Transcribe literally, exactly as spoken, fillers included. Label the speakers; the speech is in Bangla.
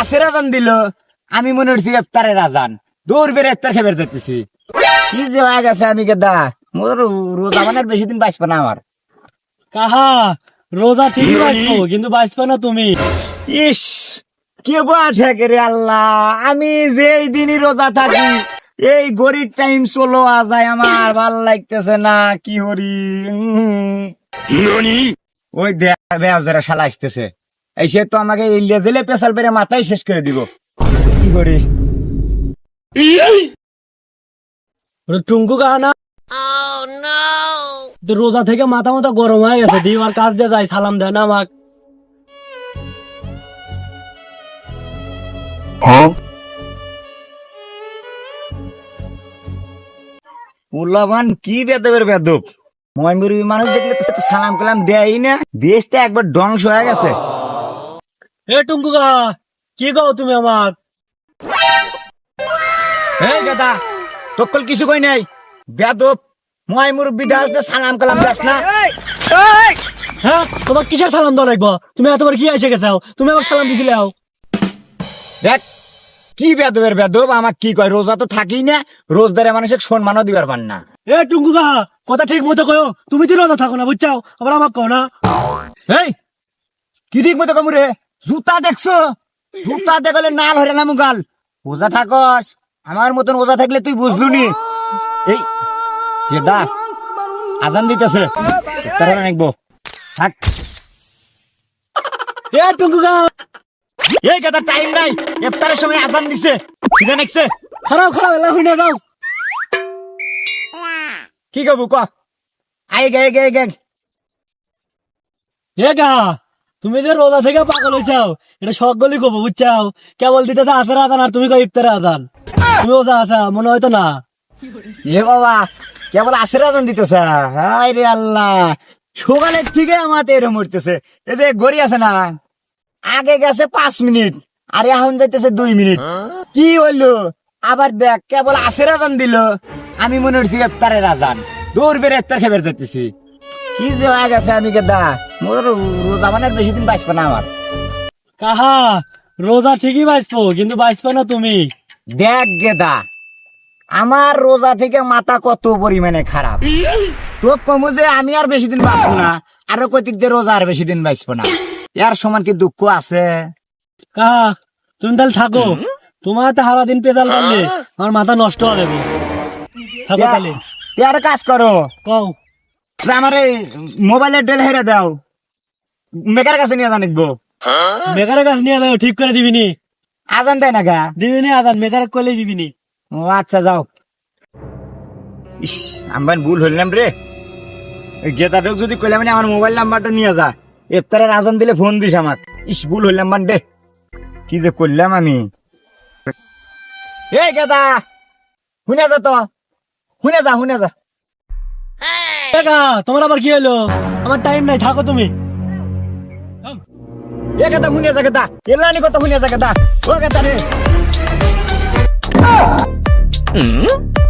Speaker 1: আসের আজান দিল আমি মনে হচ্ছি ইফতারের আজান দৌড় বেড়ে ইফতার খেয়ে যাচ্ছি কি যে হয়ে গেছে আমি গেদা মোর রোজা মানে আর বেশি দিন বাঁচবে না আমার
Speaker 2: কাহা রোজা ঠিকই বাঁচবো কিন্তু বাঁচবে না তুমি।
Speaker 1: ইস কে বাঠে রে আল্লাহ আমি যে এই দিনই রোজা থাকি এই গরিব টাইম চলো আজায় আমার ভাল লাগতেছে না কি হরি ওই দেয়া শালা আসতেছে এই সে তো আমাকে ইলিয়া দিলে পেশাল পেরে মাথায় শেষ করে দিব কি করি
Speaker 2: টুঙ্কু কাহা না তো রোজা থেকে মাথা মাথা গরম হয়ে গেছে দিবার কাজ দিয়ে যায় সালাম দেয় না আমাক।
Speaker 1: উল্লামান কি বেদবের বেদব ময়মুরী মানুষ দেখলে তো সালাম কালাম দেয়ই না দেশটা একবার ধ্বংস হয়ে গেছে।
Speaker 2: এ টুঙ্কু কাহা কি কও তুমি আমার?
Speaker 1: এই দাদা তকল কিছু কই নাই বেদব ময়মুর বিদাস সালাম কালাম দাস না।
Speaker 2: হ্যাঁ তোমার কিসের সালাম দেওয়া লাগবো? তুমি এতবার কি এসে গেছো তুমি আমাকে সালাম দিছিলে?
Speaker 1: দেখ কি বেদবের বেদব আমাক কি কয় রোজা তো থাকি না রোজদারে মানুষের সম্মানও দিবার পান না।
Speaker 2: এ টুঙ্কু কাহা কথা ঠিক মতো কয়ো তুমি তো রোজা থাকো না বুঝছাও আবার আমাক কও না।
Speaker 1: এই কি ঠিক মতো কমুরে জুতা দেখছো জুতা দেখলে নাল হরে না মুগাল রোজা থাকস আমার মতন রোজা থাকলে তুই বুঝলু নি। এই কেদা আজান দিতেছে তারা নাকবো থাক।
Speaker 2: এ টুঙ্কু কাহা
Speaker 1: এই কেদা টাইম নাই ইফতারের সময় আজান দিছে ঠিক আছে
Speaker 2: খারাপ খারাপ এলা হই না যাও।
Speaker 1: কি কবু ক আই গে গে গে
Speaker 2: এ কাহা তুমি যে রোজা থেকে পাগল হইছাও এটা সকলই কব বুঝছাও কেবল দিতে আসের আদান আর তুমি কই ইফতারের আদান তুমি রোজা আছা মনে হয়তো না।
Speaker 1: এ বাবা কেবল আসের আজান দিতেছে হায় রে আল্লাহ সকালের থেকে আমার এরম মরতেছে এই যে গড়ি আছে না আগে গেছে পাঁচ মিনিট আর এখন যাইতেছে দুই মিনিট কি হইলো আবার দেখ কেবল আসের আজান দিল আমি মনে হচ্ছি ইফতারের আজান দৌড় বেড়ে ইফতার খেয়ে যাচ্ছি কি যে হয়ে গেছে আমি গেদা মোর রোজা মানে আর বেশি দিন বাঁচবে না আমার।
Speaker 2: কাহা রোজা ঠিকই বাঁচবো কিন্তু বাঁচবে না তুমি।
Speaker 1: দেখ গেদা আমার রোজা থেকে মাথা কত পরিমাণে খারাপ তো কমু যে আমি আর বেশি দিন বাঁচবো না আরো কতিক যে রোজা আর বেশি দিন বাঁচবো না এর সমান কি দুঃখ আছে?
Speaker 2: কাহা তুমি তাহলে থাকো তোমার তো সারা দিন পেজাল পারলে আমার মাথা নষ্ট হয়ে যাবে থাকো তাহলে।
Speaker 1: তুই আর কাজ করো
Speaker 2: কও
Speaker 1: যে আমার এই মোবাইলের ডেল হেরে দাও মেকার কাছে নিয়ে জানিকবো
Speaker 2: বেকারের কাছে নিয়ে যাও ঠিক করে দিবিনি
Speaker 1: আজান দেয় না গা
Speaker 2: দিবিনি আদান বেকার করলে দিবিনি।
Speaker 1: ও আচ্ছা যাও। ইস আমার ভুল হইলাম রে গেদাডক যদি কইলাম না আমার মোবাইল নাম্বারটা নিয়ে যা ইফতারের আজান দিলে ফোন দিস আমাক ইস ভুল হইলাম বান রে কি যে করলাম আমি। এই গেদা শুনে যা তো শুনে যা শুনে যা।
Speaker 2: কাহা তোমার আবার কি হলো? আমার টাইম নাই থাকো তুমি।
Speaker 1: এ গেদা শুনে যা গেদা এলানি কথা শুনে যা গেদা ও গেদা রে